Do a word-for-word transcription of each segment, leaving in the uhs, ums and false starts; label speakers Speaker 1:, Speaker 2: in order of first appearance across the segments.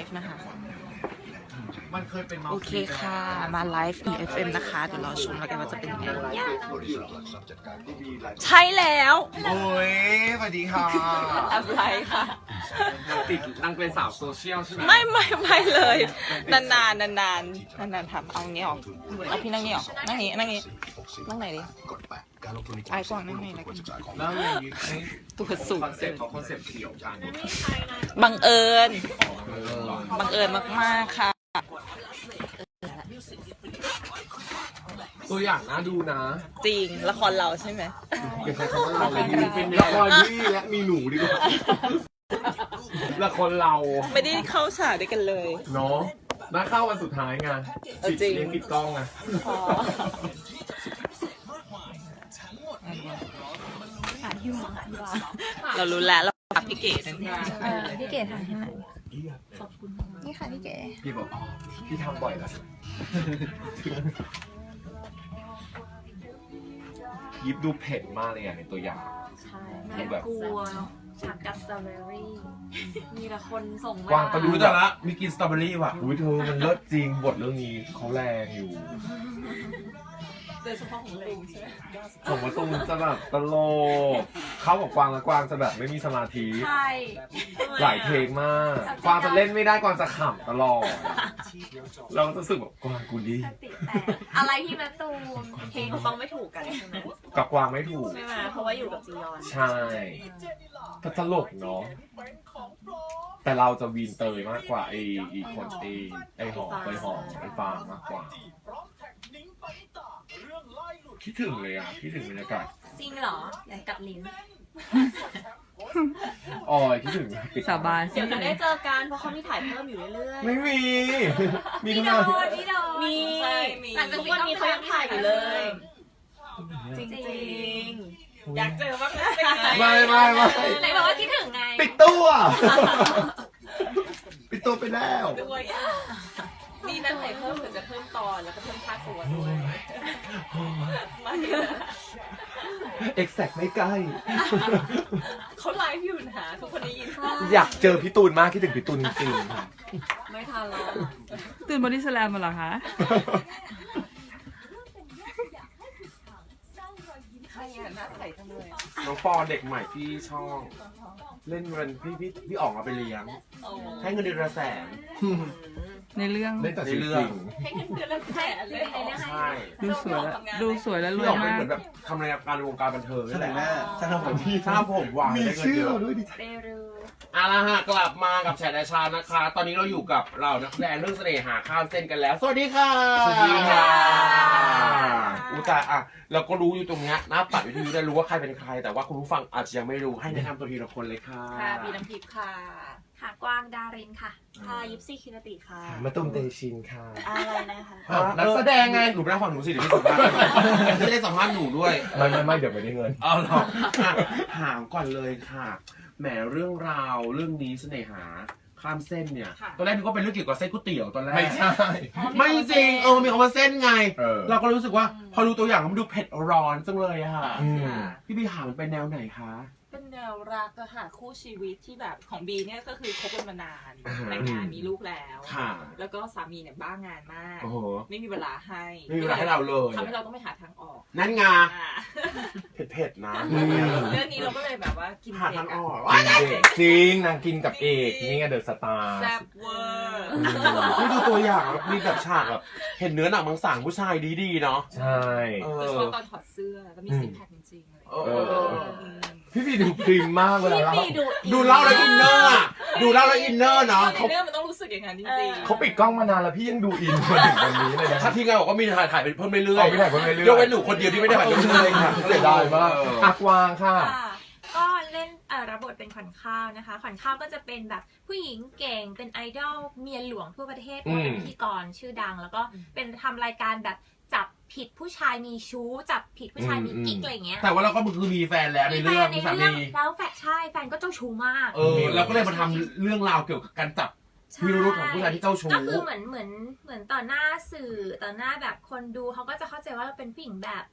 Speaker 1: ฟ์นะคะ
Speaker 2: มันเคยเป็น
Speaker 1: โอเคค่ะมาไลฟ์ อี เอฟ เอ็ม นะคะเดี๋ยวรอชมแล้วกันว่าจะเป็นยังไงใช่แล้ว
Speaker 2: โอ้ยสวัสดีค่ะ
Speaker 1: อะไรค่ะ
Speaker 2: ติดนางเป็นสาวโซเชียลใช่ไหม
Speaker 1: ไม่ไม่ไม่เลยนานนานนานนานนานนานทำเอางี้ออกเอาพี่นั่งนี่ออกนั่งนี้นั่งนี้นั่งไหนดิไอ้กว้างนั่งไหนแล้วกัน
Speaker 2: แล้วอย่างนี้
Speaker 1: ตัวสูง
Speaker 2: คอนเซ็ปต์เขาคอนเซ็ปต์เดี่ยวกัน
Speaker 1: บังเอิญบังเอิญมากๆค่ะ
Speaker 2: ตัวอย่างน่าดูนะ
Speaker 1: จริงละครเราใช่ไหม
Speaker 2: อย่าใช้คำว่าเราเลยเป็นละครที่และมีหนูดีกว่าละครเรา
Speaker 1: ไม่ได้เข้าฉากด้วยกันเลย
Speaker 2: เนาะน่าเข้าวันสุดท้ายไงปิดเลี้ยงปิดกล้องไง
Speaker 1: เรารู้แล้วเราพักพี่เก๋นั่นเอง
Speaker 3: พี่เก๋ถ่ายให้หน่อยนี่ค่ะพี่เก๋
Speaker 2: พี่บอกอ๋อพี่ทำบ่อยแล้วยิบดูเผ็ดมากเลยอ่ะในตัวอย่าง
Speaker 3: ใช่น่ากลัวฉากกัสตรอเบอรี่มีแต่คนส่งมาก
Speaker 2: วางก็ดูแต่ละมีกินสตรอเบอรี่ว่ะอุ้ยเธอมันเลิศจริงบทเรื่องนี้เขาแรงอยู่
Speaker 3: โดยเฉพาะของลุงใช่ไหม
Speaker 2: ผมว่าตรงจะแบบตลกเขาบอกกวางและกวางจะแบบไม่มีสมาธิ
Speaker 3: ใช่
Speaker 2: หลายเทคมากกวางจะเล่นไม่ได้กวางจะขำตลอดเราก็รู้สึกแบบกวางกูดี
Speaker 3: อะไรที่แม่ตูนเพลงต้องไม่ถูกกันใช่ไหม
Speaker 2: กับกวางไม่ถูก
Speaker 3: ใช่ไหมเพราะว่าอยู่กับจียอน
Speaker 2: ใช่ก็ตลกเนาะแต่เราจะวีนเตยมากกว่าไอ้อีคนไอ้ไอ้หอมไอ้หอมไอ้ฟางมากกว่าคิดถึงเลยอ่ะคิดถึงบรรยากาศ
Speaker 3: จริงเหรออยากกัดลิ้น
Speaker 2: อ๋อคิดถึง
Speaker 1: สาบาน
Speaker 3: เดี๋ยวจะได้เจอกันเพราะเขามีถ่ายเพิ่มอยู่เรื่อยๆ
Speaker 2: ไม่มี
Speaker 3: มีโดนมีโดนมีหลังจากวันนี้เขายังถ่ายอยู่เลยจริงจริงอยากเจอมากเลย
Speaker 2: ไม่ไม่ไม่
Speaker 3: ไหนบอกว่าคิดถึงไง
Speaker 2: ปิดตัวปิดตัวไปแล้ว
Speaker 3: ด้วยนี่นั่นถ่ายเพิ่มเผื่อจะเพิ่มตอนแล้วก็เพิ่มค่าตัวด้วยไม่
Speaker 2: เอ็กแซกไม่ใกล้
Speaker 3: เขาไลฟ์อยู่นะทุกคนได้ยิน
Speaker 2: อยากเจอพี่ตูนมากคิดถึงพี่ตูนจริง
Speaker 3: ๆไม่ทันแล้ว
Speaker 1: ตื่นบอดี้สแลมมาเหรอคะ
Speaker 2: น้องปอเด็กใหม่ที่ช่องเล่นเงินพี่พี่พี่ออกมาไปเลี้ยงให้เงินเดือนละแสน
Speaker 1: ในเรื่อง
Speaker 2: เล่นแต่ในเรื่อง
Speaker 3: ให้เงินเดือนละแสนเลย
Speaker 2: ใช่
Speaker 1: ดูสวยแล้วดูสวยแล้วรวยมาก
Speaker 2: เหมือนแบบทำรายการวงการบันเทิงนี่แหละช่างผมพี่ช่างผมวางมีชื่อด้วยดิเอาละฮะกลับมากับแฉแดชานะคะตอนนี้เราอยู่กับเรานักแสดงเรื่องเสน่หาข้ามเส้นกันแล้วสวัสดีค่ะสวัสดีค่ะอุตส่าห์อ่ะเราก็รู้อยู่ตรงนี้หน้าปัดวิทยุได้รู้ว่าใครเป็นใครแต่ว่าคุณผู้ฟังอาจจะยังไม่รู้ให้แนะนำตัวทีละคนเลยค่ะ
Speaker 3: ค่ะบีน้ำทิพย์ค่ะค่ะกวางดารินค่ะค่ะยิปซี่คินติค่ะ
Speaker 2: มาตุ้มเตชินค่ะ
Speaker 3: อะไรนะคะ
Speaker 2: นักแสดงไงหนูไปนั่งฝั่งหนูสิเดี๋ยวพี่สัมภาษณ์ไม่ได้สัมภาษณ์หนูด้วยไม่ไม่ไม่เดี๋ยวไม่ได้เงินเอาหรอถามก่อนเลยค่ะแหมเรื่องราวเรื่องนี้เสน่หาข้ามเส้นเนี่ยตอนแรกนึกว่าเป็นเรื่องเกี่ยวกับเส้นก๋วยเตี๋ยวตอนแรกไม่ใช่ไม่จริงเออมีคำว่าเส้นไงเราก็รู้สึกว่าพอรู้ตัวอย่างมันดูเผ็ดร้อนจังเลยอะค่ะพี่บีหามันเป็นแนวไหนคะ
Speaker 3: เป็นแนวรักอะค่ะคู่ชีวิตที่แบบของบีเนี่ยก็คือคบกันมานานแต่งงานมีลูกแล้วแล้วก็สามีเนี่ยบ้างานมากไม่มีเวลาให้
Speaker 2: ไม่มีเวลาให้เราเลย
Speaker 3: ทำให้เราต้องไปหาทางออก
Speaker 2: นั่นไงเผ็ดๆนะ
Speaker 3: เรื่องนี้เราก็เลยแบบว่ากิน
Speaker 2: หาทางออกจริงนางกินกับเอกนี่ไงเดอะสตาร์
Speaker 3: แซ่บเวอร์
Speaker 2: นี่ดูตัวอย่างมีแบบฉากแบบเห็นเนื้อหนังบางสั่งผู้ชายดีๆเนาะใช่
Speaker 3: โดยเฉพาะตอนถอดเสื้อแล้วมีซิกแพคจริงๆเลย
Speaker 2: พี่บีดูพริมมากเวลาเราดูเล่าแล้วอินเนอร์อ่ะดูเล่าแล้วอินเนอร์เนาะ
Speaker 3: เขาเรื่องมันต้องรู้สึกอย่างนั้นจริง
Speaker 2: ๆเขาปิดกล้องมานานแล้วพี่ยังดูอินมาถึงวันนี้เลยนะที่งานบอกว่ามีถ่ายถ่ายไปเพิ่มเรื่อยๆไม่ถ่ายเพิ่มเรื่อยๆยกเว้นหนูคนเดียวที่ไม่ได้ถ่ายเพิ่มเรื่อยๆค่ะเสียดายมากอักวางค่ะ
Speaker 3: ก็เล่นรับบทเป็นขวัญข้าวนะคะขวัญข้าวก็จะเป็นแบบผู้หญิงเก่งเป็นไอดอลเมียหลวงทั่วประเทศเป็นพิธีกรชื่อดังแล้วก็เป็นทำรายการแบบจับผิดผู้ชายมีชู้จับผิดผู้ชายมีกิ๊กอะไรเงี้ย
Speaker 2: แต่ว่าเราก็คือมีแฟนแล้วในเรื่อง
Speaker 3: มีสามีแล้วแฟนใช่แฟนก็เจ้าชู้มาก
Speaker 2: เออเราก็เลยมาทำเรื่องราวเกี่ยวกับการจับพิรุธของผู้ชายที่เจ้าชู้
Speaker 3: ก็คือเหมือนเหมือนเหมือนต่อหน้าสื่อต่อหน้าแบบคนดูเขาก็จะเข้าใจว่าเราเป็นผู้หญิงแบบ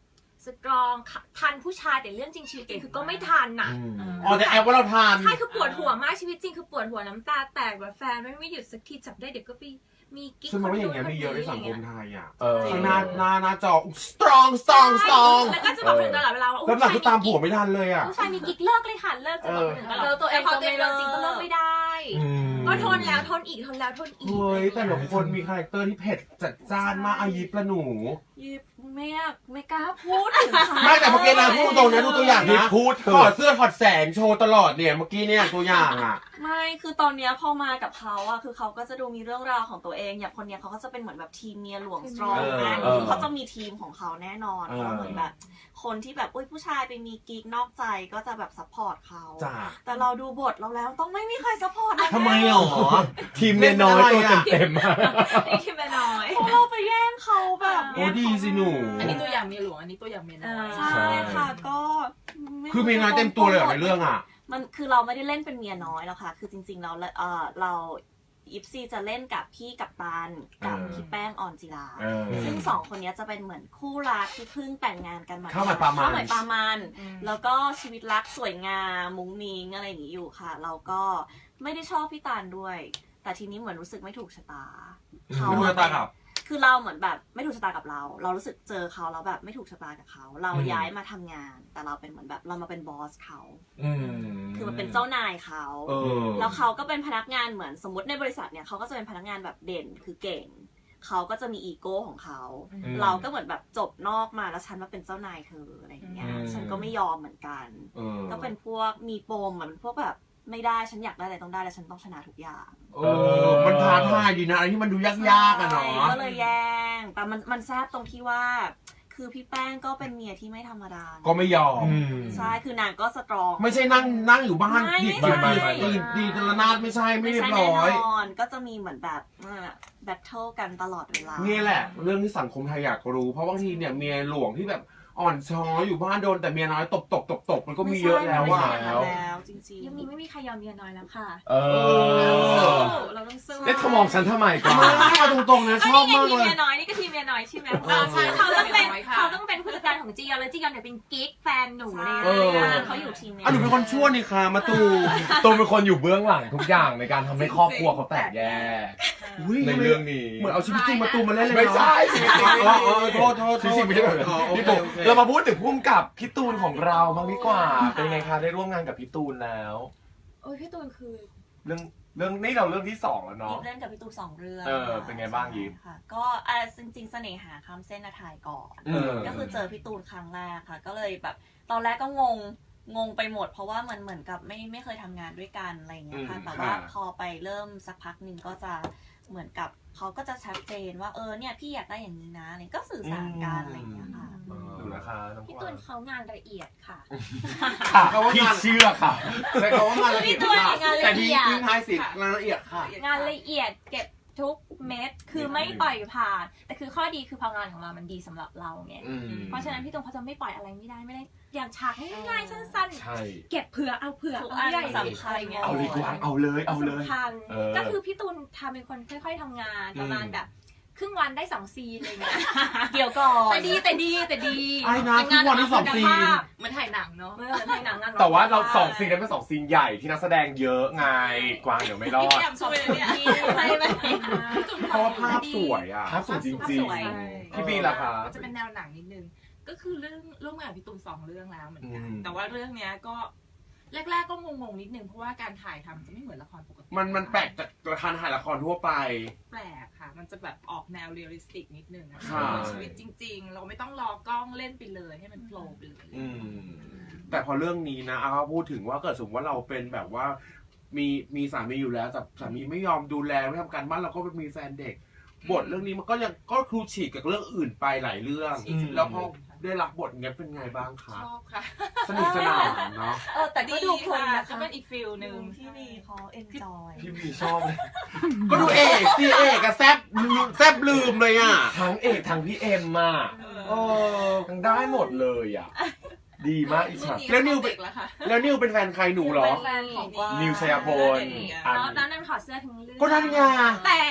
Speaker 3: สตรองทันผู้ชายแต่เรื่องจริงชีวิตจริงคือก็ไม่ทันน่ะ
Speaker 2: อ๋อแต่แอบว่าเราทาน
Speaker 3: ใช่คือปวดหัวมากชีวิตจริงคือปวดหัวน้ำตาแตกแบบแฟนไม่ไม่หยุดสักทีจับได้เดี๋ยวก็ไปมีกิ๊ก
Speaker 2: ซึ่งมันว่าอย่างเงี้ยมีเยอะในสังคมไทยอ่ะ
Speaker 4: เออ
Speaker 2: ข้างหน้าหน้าหน้าจอ strong strong strong
Speaker 3: แล้วก็จะบอกคนตลอดเวลาว่า
Speaker 2: แล้วหลังก็ตามผัวไม่ทันเลยอ่ะ
Speaker 3: ผู้ชายมีกิ๊กเลิกเลยค่ะเลิกจะบอกคนอื่นตลอด
Speaker 1: เราตัวเอง
Speaker 3: พอ
Speaker 1: ก็
Speaker 3: ตัวเอ
Speaker 1: ไม่
Speaker 3: ง
Speaker 1: เลิ
Speaker 3: เลิกจริงก็เลิกไม่ได้ ก็ทนแล้วทนอีกทนแล้วทนอีก
Speaker 2: เฮ้ยแต่ละคนมีคาแรคเตอร์ที่เผ็ดจัดจ้านมากอายิปละหนู
Speaker 5: ยิบไม่อยากไม่กล้าพูดถึงเขา
Speaker 2: ไม่แต่เมื่อกี้นะพูดตรงนะดูตัวอย่าง
Speaker 4: นี่
Speaker 2: นะ
Speaker 4: พูดเถ
Speaker 2: ถอด
Speaker 4: อะ
Speaker 2: เสื้อถอดแสงโชว์ตลอดเนี่ยเมื่อกี้เนี่ยตัวอย่างอ่ะ
Speaker 5: ไม่คือตอนเนี้ยพอมากับเขาอะคือเขาก็จะดูมีเรื่องราวของตัวเองอย่างคนเนี้ยเขาก็จะเป็นเหมือนแบบทีมเมียหลวงสตรอง
Speaker 2: เออ
Speaker 5: นะ
Speaker 4: เออ
Speaker 5: เขาจะมีทีมของเขาแน่นอน
Speaker 2: เออ
Speaker 5: เพราะเหมือนแบบคนที่แบบอุ้ยผู้ชายไปมีกิ๊กนอกใจก็จะแบบซัพพอร์ตเขา
Speaker 2: จ้า
Speaker 5: แต่เราดูบทเราแล้วต้องไม่มีใครซัพพอร์ตเรา
Speaker 2: ทำไมหรอ
Speaker 4: ทีมเมียน้อยตัวเต็มๆอะ
Speaker 3: ไอ้ที่แม่น้อย
Speaker 5: เพราะเราไปแย่งเขาแบบ
Speaker 2: โอ้ดีสิหนู
Speaker 1: อันนี้ตัวอย่างเมียหลวงอันนี้ตัวอย่างเมียน้อย
Speaker 5: ใช่ค่ะก็ไ
Speaker 2: คือมีน้อยเต็มตัวเลยเหรอในเรื่องอ่ะ
Speaker 5: มันคือเราไม่ได้เล่นเป็นเมียน้อยแล้วค่ะ คือจริงๆเราเออเรายิปซีจะเล่นกับพี่กัปตันกับ
Speaker 2: เออ
Speaker 5: พี่แป้งออนจิลา
Speaker 2: เออ
Speaker 5: ซึ่งสองคนนี้จะเป็นเหมือนคู่รักที่เพิ่งแต่งงานกันมา
Speaker 2: ข้าวหมายปลามัน
Speaker 5: ข้าวหมายปลามัน
Speaker 1: อืม
Speaker 5: แล้วก็ชีวิตรักสวยงามมุ้งมิ้งอะไรอย่างนี้อยู่ค่ะ เราก็ไม่ได้ชอบพี่ตาลด้วย แต่ทีนี้เหมือนรู้สึกไม่ถูกชะตาเขา
Speaker 2: ไม่ถูกชะตากับ
Speaker 5: คือเราเหมือนแบบไม่ถูกชะตากับเรา เรารู้สึกเจอเขาแล้วแบบไม่ถูกชะตากับเขา เรา
Speaker 4: อืม
Speaker 5: ย้ายมาทำงาน แต่เราเป็นเหมือนแบบเรามาเป็นบอสเขา
Speaker 4: อืม
Speaker 5: คือมันเป็นเจ้านายเขา
Speaker 2: เออ
Speaker 5: แล้วเขาก็เป็นพนักงานเหมือนสมมติในบริษัทเนี่ยเขาก็จะเป็นพนักงานแบบเด่นคือเก่ง เขาก็จะมีอีโก้ของเขา
Speaker 4: อืม
Speaker 5: เราก็เหมือนแบบจบนอกมาแล้วฉันมาเป็นเจ้านายเธออะไรอย่างเงี้ย
Speaker 4: อืม
Speaker 5: ฉันก็ไม่ยอมเหมือนกัน
Speaker 2: เออ
Speaker 5: ก็เป็นพวกมีปมอะเป็นพวกแบบไม่ได้ฉันอยากได้อะไรต้องได้แล้วฉันต้องชนะทุกอย่าง
Speaker 2: เออ มันท้าทายดีนะอะไรที่มันดูยากๆอะเนาะ
Speaker 5: ก็เลยแย่ง แต่มันมันแซ่บตรงที่ว่า คือพี่แป้งก็เป็นเมียที่ไม่ธรรมดา
Speaker 2: ก็ไม่ยอม
Speaker 4: อืม
Speaker 5: ใช่ คือนางก็สตรอง
Speaker 2: ไม่ใช่นั่งนั่งอยู่บ้าน
Speaker 5: ไม่
Speaker 2: ดีด
Speaker 5: ไม่
Speaker 2: ดีด
Speaker 5: ใช่
Speaker 2: ดีดดีดระนาดไม่ใช่ไม่
Speaker 5: ไม่
Speaker 2: เรีย
Speaker 5: ใช่
Speaker 2: บ
Speaker 5: แน่
Speaker 2: ร้อย
Speaker 5: นอน ก็จะมีเหมือนแบบแบทเทิลกันตลอดเวลา
Speaker 2: นี่แหละ เรื่องที่สังคมไทยอยากรู้ เพราะบางทีเนี่ยเมียหลวงที่แบบอ่อนช้อยอยู่บ้านโดนแต่เมียน้อยตบตบตบตบมันก็มีเยอะแล้ว
Speaker 5: ไม่
Speaker 2: อะ
Speaker 5: ใช่มันไม่ใช่อย่างนั้นแล้วจริง
Speaker 3: ยุคนี้ไม่มีใครยอมเมียน้อยแล้วค่ะ
Speaker 4: เออ
Speaker 3: เราต้องสู้
Speaker 4: เอ๊ะเธอมองฉันทำไมก่อน
Speaker 2: ไม่เอาตรงๆนะชอบ
Speaker 3: นี่ไง
Speaker 2: มาก
Speaker 3: ทีม
Speaker 2: เลย
Speaker 3: เมียน้อยนี่ก็ทีมเมียน้อยใช่ไหม
Speaker 2: เออใช่
Speaker 3: เขาต้องเป็น
Speaker 1: ทีมเมียน้อยค่ะ
Speaker 3: เขาต้องเป็นผู้จัดการของจียอนแล้วจียอนเนี่ยเป็นกิ๊กแฟนหนู
Speaker 5: ๆ
Speaker 3: ใน
Speaker 5: ใช่
Speaker 3: เรื่อง
Speaker 2: เออ
Speaker 5: เขาอยู่ทีมเนี้ย
Speaker 2: อ่ะหนูเป็นคนชั่วนี่ค่ะมาตู
Speaker 4: ตูมเป็นคนอยู่เบื้องหลังทุกอย่างในการทำให้ครอบครัวเขาแตกแยก
Speaker 2: อุ๊ย
Speaker 4: ในเรื่องนี้
Speaker 2: เหมือนเอาชีวิตจริงมาตูมาเล่นเลย
Speaker 4: ไม่
Speaker 2: เนาะ
Speaker 4: ใช่ชีวิตจริง
Speaker 2: อ๋ออ๋อโทษโทษ
Speaker 4: ชีวิตจริงไม่ใช่แบบนั้น
Speaker 2: อ๋อโอ
Speaker 4: พี่
Speaker 2: เค
Speaker 4: ตูน
Speaker 2: โอเค
Speaker 4: เรามาพูดถึงพุ่มกับพี่ตูนของเราบ้างดีกว่า เป็นไงคะได้ร่วมงานกับพี่ตูนแล้ว
Speaker 3: โอ้ยพี่ตูนคือ
Speaker 4: เรื่องเรื่องนี่เราเรื่องที่สองแล้ว
Speaker 5: ยิ
Speaker 4: เนาะ
Speaker 5: บเล่นกับพี่ตูนสองเรื่อง
Speaker 4: เออเป็นไงบ้างยิป
Speaker 5: ใช่ค่ะ ก็อ่ะจริงๆเสน่หาคำเส้นอาทายก่อน
Speaker 4: เออ
Speaker 5: ก็คือเจอพี่ตูนครั้งแรกค่ะ ก็เลยแบบ ตอนแรกก็งงงงไปหมด เพราะว่ามันเหมือนกับไม่ไม่เคยทำงานด้วยกันอะไรอย่างเงี้ยค่ะ
Speaker 4: อืม
Speaker 5: แต่ว่า
Speaker 2: ค่ะ
Speaker 5: พอไปเริ่มสักพักหนึ่งก็จะเหมือนกับเขาก็จะชัดเจนว่าเออเนี่ยพี่อยากได้อย่างนี้นะอะไรก็สื่อสารกันอะไรอย่างเงี้ยค่ะ
Speaker 4: เออดูนะคะน้อง
Speaker 3: พี่
Speaker 4: ก
Speaker 3: ตู
Speaker 4: วาง
Speaker 3: นเขางานละเอียดค่ะ
Speaker 4: ค่ะพี่เชื่อค่ะ
Speaker 2: ใช้คำว่างานละเอียด
Speaker 3: พี่ตูน
Speaker 2: ค่ะ
Speaker 3: งานละ
Speaker 2: แต่
Speaker 3: เอี
Speaker 2: ที่
Speaker 3: ยด
Speaker 2: ทิ้งท้ายสิงานละเอียดค่ะ
Speaker 3: งานละเอียดเก็บทุกเม็ดคือไม่ปล่อยผ่าน แต่คือข้อดีคือพองานของเรามันดีสำหรับเราไง
Speaker 2: อืม
Speaker 3: เพราะฉะนั้นพี่ตูนเขาจะไม่ปล่อยอะไรไม่ได้ไม่ได้อย่างฉากง่ายๆสั้น
Speaker 4: ใช่
Speaker 3: ๆ เก็บเผื่อเอาเผื่อ
Speaker 5: ทุก
Speaker 3: เอา
Speaker 5: อัน
Speaker 3: ใหญ่
Speaker 5: สำคัญ
Speaker 3: อะไรเงี้ย
Speaker 4: เอาเลยกวางเอาเลยเอาเลย
Speaker 3: สำคัญ
Speaker 4: เออ
Speaker 3: ก็คือพี่ตูนทำเป็นคนค่อยๆทำงานประมาณแบบครึ่งวันได้สองซีนอะไรเงี้ย
Speaker 5: เดี๋ยวก่อน
Speaker 3: แต่ดีแต่ดีแต่ดี
Speaker 2: ไอ้นะครึ่งวันได้สองซีน
Speaker 3: เหมันถ่ายหนังเนาะเหมือนถ่ายหนังงาน
Speaker 4: แต่ว่าเราสองซีนนั้นเป็นสองซีนใหญ่ที่นักแสดงเยอะไงกวางเดี๋ยวไม่รอ
Speaker 3: พี่
Speaker 4: ด
Speaker 3: แอมช่วยเลยเนี่ยไม่ไม่
Speaker 2: เพราะว่าภาพสวยอ่ะ
Speaker 4: ภาพสวยจริง
Speaker 3: สวย
Speaker 4: ๆพี่บีล่ะคะ
Speaker 1: จะเป็นแนวหนังนิดนึง ก็คือเรื่องร่วมงานกับพี่ตูนสองเรื่องแล้วเหมือนกัน
Speaker 4: อืม
Speaker 1: แต่ว่าเรื่องเนี้ยก็แรกๆก็งงๆนิดนึงเพราะว่าการถ่ายทำจะไม่เหมือนละครปกติ
Speaker 2: มันมันแปลกจากการถ่ายละครทั่วไป
Speaker 1: แปลกค่ะ มันจะแบบออกแนวเรียลลิสติกนิดนึงอะ
Speaker 2: ค่ะ
Speaker 1: เหมือนชีวิตจริง ๆ เราไม่ต้องรอกล้องเล่นไปเลยให้มันโฟล์ไปเลย
Speaker 2: อืม แต่พอเรื่องนี้นะเอาพูดถึงว่าเกิดสมมติว่าเราเป็นแบบว่า มีมีสามีอยู่แล้วแต่สามีไม่ยอมดูแลไม่ทำการบ้านเราก็ไปมีแฟนเด็ก บทเรื่องนี้มันก็ยังก็ครูฉีกกับเรื่องอื่นไปหลายเรื่อง
Speaker 4: อืม
Speaker 2: แล้วพอได้รับบทเนี้ยเป็นไงบ้างคะ
Speaker 1: ชอบค่ะ
Speaker 2: สนุกสนานเนาะ
Speaker 5: เออแต่ก็ดูเพลิน
Speaker 1: ค่ะ
Speaker 5: นะ
Speaker 1: ก็
Speaker 5: คะ
Speaker 1: เป็นอีกฟิลหนึ่ง
Speaker 5: ที่มีเขาเอนจอย
Speaker 4: พี่บีชอบเลย
Speaker 2: ก็ดูเอกซีเอกอะแซบแซบลืมเลยอ่ะ
Speaker 4: ทั้งเอกทั้งพี่เอ็มอ่ะ
Speaker 2: เออ
Speaker 4: ทั้งได้หมดเลยอ่ะ ดีมากอิจฉา
Speaker 2: แล้วนิวเป็น
Speaker 1: เด็กแล้วค่ะ
Speaker 2: แล้วนิวเป็นแฟนใครหนูเหรอ
Speaker 5: เป็นแฟนของกวาง
Speaker 4: นิวชัยพล
Speaker 3: แล้วนั้นนั้นถอดเสื้อทั้งเรื่อง
Speaker 2: ก็นั่นไง
Speaker 3: แต่ไม่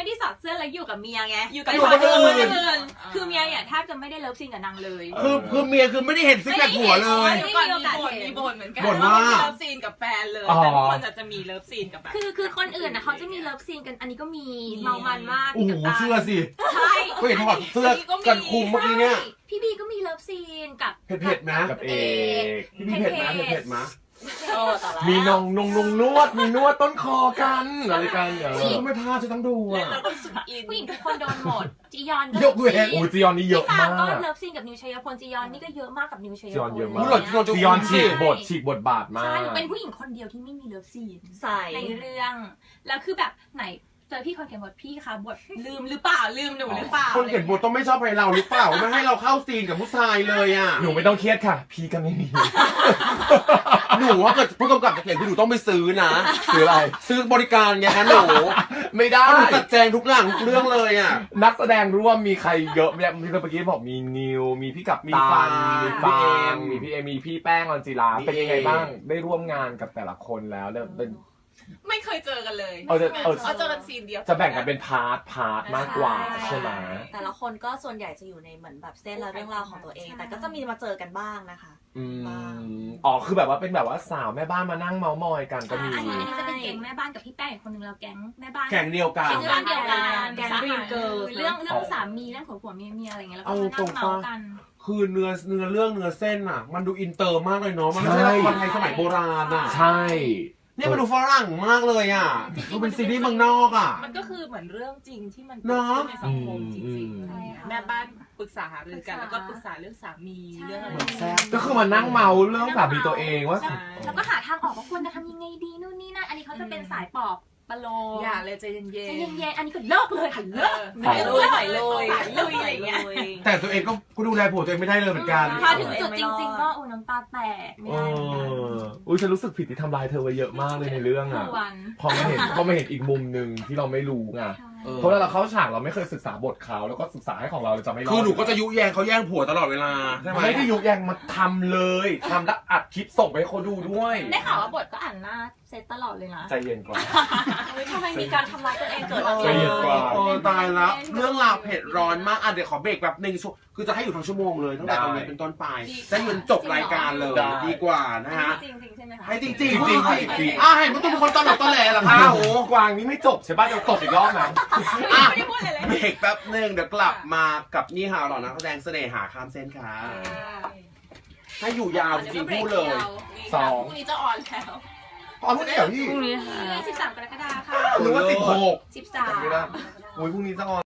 Speaker 3: ไม่ได้สอดเสื้อแล้วอยู่กับเมียไง
Speaker 1: อยู่กับ
Speaker 3: ไป
Speaker 1: คนอื่น
Speaker 3: คนอื่นคือเมียเนี่ยแทบจะไม่ได้เลิฟซีนกับนางเลย
Speaker 2: คือคือเมียคือไม่ได้เห็นซิกแพคหัวเลย
Speaker 1: เดี๋ยวก่อนมีบ่นมีบ่นเหมือนกัน
Speaker 2: บ่นว่า
Speaker 1: มีเลิฟซีนกับแฟนเลย
Speaker 2: อ๋อ
Speaker 1: แต่ทุกคนอาจจะมีเลิฟซีนกับแบบ
Speaker 3: คือคือคนอื่นนะเขาจะมีเลิฟซีนกันอันนี้ก็มีเมามันมาก
Speaker 2: โอ้โห
Speaker 3: กับตา
Speaker 2: เสื้อสิ
Speaker 3: ใช่
Speaker 2: ก็เห็นถอดเสื้อกันคุมเมื่อกี้เนี่ย
Speaker 3: พี่บีก็มีเลิฟซีนกับ
Speaker 2: เผ็ดเผ็ดๆนะ
Speaker 4: กับเอก
Speaker 2: พี่พี่เผ็ดนะเผ็ดเผ็ดๆนะ
Speaker 1: โอ้แต่ละ
Speaker 4: มีนองนงนงนวดมีนวดต้นคอกันอะไรกันเอ
Speaker 2: ฉัน
Speaker 4: อ
Speaker 2: ก็ไม่พลาดจะต้องดู
Speaker 1: เล่น
Speaker 2: อ่ะ
Speaker 1: แล้วก็รู้สึกอิน
Speaker 3: ผู้หญิงทุกคนโดนหมดจียอนก็
Speaker 2: ยกเว้น
Speaker 4: อูจียอนนี่เยอะ
Speaker 3: พี่ฟาง
Speaker 4: มา
Speaker 3: ก็
Speaker 4: ก
Speaker 3: เลิฟซีนกับนิวชัยพลจียอนนี่ก็เยอะมากกับนิวชัยพล
Speaker 4: จียอนเยอะมาก
Speaker 2: รู้เหรอจียอนจะ
Speaker 4: จียอนฉีกบทฉีกบทบาทมา
Speaker 3: ใช่
Speaker 4: ก
Speaker 3: เป็นผู้หญิงคนเดียวที่ไม่มีเลิฟซีน
Speaker 5: ใส่
Speaker 3: ในเรื่อง แล้วคือแบบไหนเจอพี่คนเขียนบทพี่คะบทลืมหรือเปล่าลืมหนูหรือเปล่า
Speaker 2: คนเขียนบทต้องไม่ชอบให้เราหรือเปล่าไม่ให้เราเข้าซีนกับผู้ชายเลยอ่ะ
Speaker 4: หนูไม่ต้องเครียดค่ะ พี่ก็ไม่มี
Speaker 2: หนูว่าเกิดผู้กำกับจะเขียนคือหนูต้องไปซื้อนะ
Speaker 4: คืออะไร
Speaker 2: ซื้อบริการไงฮะหนู
Speaker 4: ไม่ได้
Speaker 2: หนูจัดแจงทุกอย่างทุกเรื่องเลยอ่ะ
Speaker 4: นักแสดงร่วมมีใครเยอะเนี่ยมีเมื่อกี้บอกมีนิว มีพี่กับ
Speaker 2: มี
Speaker 4: ตา
Speaker 2: ฟาง
Speaker 4: มี
Speaker 2: มี
Speaker 4: ฟา
Speaker 2: เอ็
Speaker 4: ง
Speaker 2: ม
Speaker 4: มีพี่เอมีพี่แป้งออนจิลา
Speaker 2: มี
Speaker 4: เป็นยังไง
Speaker 2: เอ
Speaker 4: บ้าง ได้ร่วมงานกับแต่ละคนแล้วเนี่ยเป็น
Speaker 1: ไม่เคยเจอกันเลย
Speaker 4: เอาจะเอา
Speaker 1: เอาเจอกันซีนเดียว
Speaker 4: จะแบ่งกันเป็นพาร์ทพาร์ทมากกว่าใช่ไหม
Speaker 5: แต่ละคนก็ส่วนใหญ่จะอยู่ในเหมือนแบบเส้นและเรื่องราวของตัวเอง แต่ก็จะมีมาเจอกันบ้างนะคะ
Speaker 4: อื
Speaker 5: บ้าง
Speaker 4: มอ๋อคือแบบว่าเป็นแบบว่าสาวแม่บ้านมานั่งเมามอยกันก็มี
Speaker 3: อันนี้จะเป็นแก๊งแม่บ้านกับพี่แป้งอีกคนนึงเราแก๊งแม่บ้าน
Speaker 2: แข่งเดียวกัน
Speaker 3: เป็นเรื่องเดียวกัน
Speaker 5: แก๊ง Dream Girls
Speaker 3: เรื่องเรื่องสามีเรื่องผัวผัวเมียเมียอะไรเงี้ยแล้วก็
Speaker 2: เอา
Speaker 3: มา
Speaker 2: ตร
Speaker 3: นั่
Speaker 2: ง
Speaker 3: ง
Speaker 2: ปะ
Speaker 3: เมากัน
Speaker 2: คือเนื้อเนื้อเรื่องเนื้อเส้นอ่ะ มันดูอินเตอร์มากเลยเนาะมันไม่ใช่ละครไทยสมัยโบราณอ่ะ
Speaker 4: ใช่
Speaker 2: เนี่ยมันดูฝรั่งมากเลยอ่ะดูเป็นซีรีส์เมืองนอกอ่ะ
Speaker 1: มันก็คือเหมือนเรื่องจริงที่มัน
Speaker 2: เนอะ
Speaker 1: กิดขึ้นในสังคมจ
Speaker 4: อื
Speaker 1: ริง
Speaker 4: ม
Speaker 3: ใช่ค่ะ
Speaker 1: ๆแม่บ้านปรึกษาหารือกัน
Speaker 3: ปรึกษา
Speaker 1: แล้วก็ปรึกษาเรื่องสามีเรื่องอะไร
Speaker 2: แซ่บ
Speaker 4: ก็คือมานั่งเมาเรื่องสามีตัวเองว่า
Speaker 1: ใช่
Speaker 3: แล้วก็หาทางออกว่าควรจะทำยังไงดีนู่นนี่นั่นอันนี้เขาจะเป็นสายปอบปะโล
Speaker 1: อย่าเลยใจเย็นๆ
Speaker 3: ใจเย็นๆอันนี้ก็เลิกเลยค่ะเลิก
Speaker 1: ใส่ลุยใส่ลุย
Speaker 3: ใส่ลุยอะไรเงี้ย
Speaker 2: แต่ตัวเองก็ก็ดูแลผัวตัวเองไม่ได้เลยเหมือนกัน
Speaker 3: พอถึงจุดจริงๆก็โอ้น้ำตาแตกไม่
Speaker 4: เอ
Speaker 3: ได้เหมือนกัน
Speaker 4: ออุ้ยฉันรู้สึกผิดที่ทำลายเธอไว้เยอะมากเลยในเรื่อง
Speaker 3: ทุ
Speaker 4: อ่ะ
Speaker 3: กวัน
Speaker 4: พอมาเห็นพอมาเห็นอีกมุมหนึ่งที่เราไม่รู้ไง
Speaker 2: เออ
Speaker 4: เพราะเวลาเราเข้าฉากเราไม่เคยศึกษาบทเขาแล้วก็ศึกษาให้ของเราเราจะไม่รอด
Speaker 2: คือหนูก็จะยุแยงเขาแย่งผัวตลอดเวลาใช่ไหม
Speaker 4: ไม่ได้ยุแยงมาทำเลยทำแล้วอัดคลิปส่งไปให้เขาดูด้วย
Speaker 3: ได้ข่าวว่าบทก็อ่านหน้าเซตตลอดเลยนะ
Speaker 4: ใจเย็นก่อน
Speaker 5: ทำไมมีการทำร้ายตัวเองเกิด
Speaker 4: ใจเย็นกว่า
Speaker 2: โอ้ตายแล้วเรื่องราวเผ็ดร้อนมากอ่ะเดี๋ยวขอเบรกแบบหนึ่งชั่วคือจะให้อยู่ทั้งชั่วโมงเลยตั้งแต่ตรงนี้เป็นต้นไปจะยืนจบรายการเลยดีกว่านะฮะ
Speaker 3: จริงๆใช่ไหมคะ
Speaker 2: ให้จริงจริง
Speaker 4: จริงๆจริงๆ
Speaker 2: อ่ะเห็นว่าตุ้มเป็นคนตลกตอแหลเหรอคะโอ้โห
Speaker 4: กวางนี่ไม่จบใช่ป่ะจะตบอีกรอบนะ
Speaker 2: อ่ะ
Speaker 1: ไม่ได้พูดอะไรเลย
Speaker 2: เบรกแป๊บหนึ่งเดี๋ยวกลับมากับนี่ฮาวหล่อนักแสดงเสน่หาข้ามเส้นค่ะให้อยู่ยาวจริงๆพูดเลย
Speaker 4: สอง
Speaker 1: พรุ่งนี้จะออนแล้ว
Speaker 2: อ๋อพูดได้เหรอพี่
Speaker 3: พรุ่งนี้สิบสามกรกฎาคมค่ะ
Speaker 2: หรือว่าสิบหก
Speaker 3: สิบสาม
Speaker 4: ไม่ได้อุ้ยพรุ่งนี้จะออน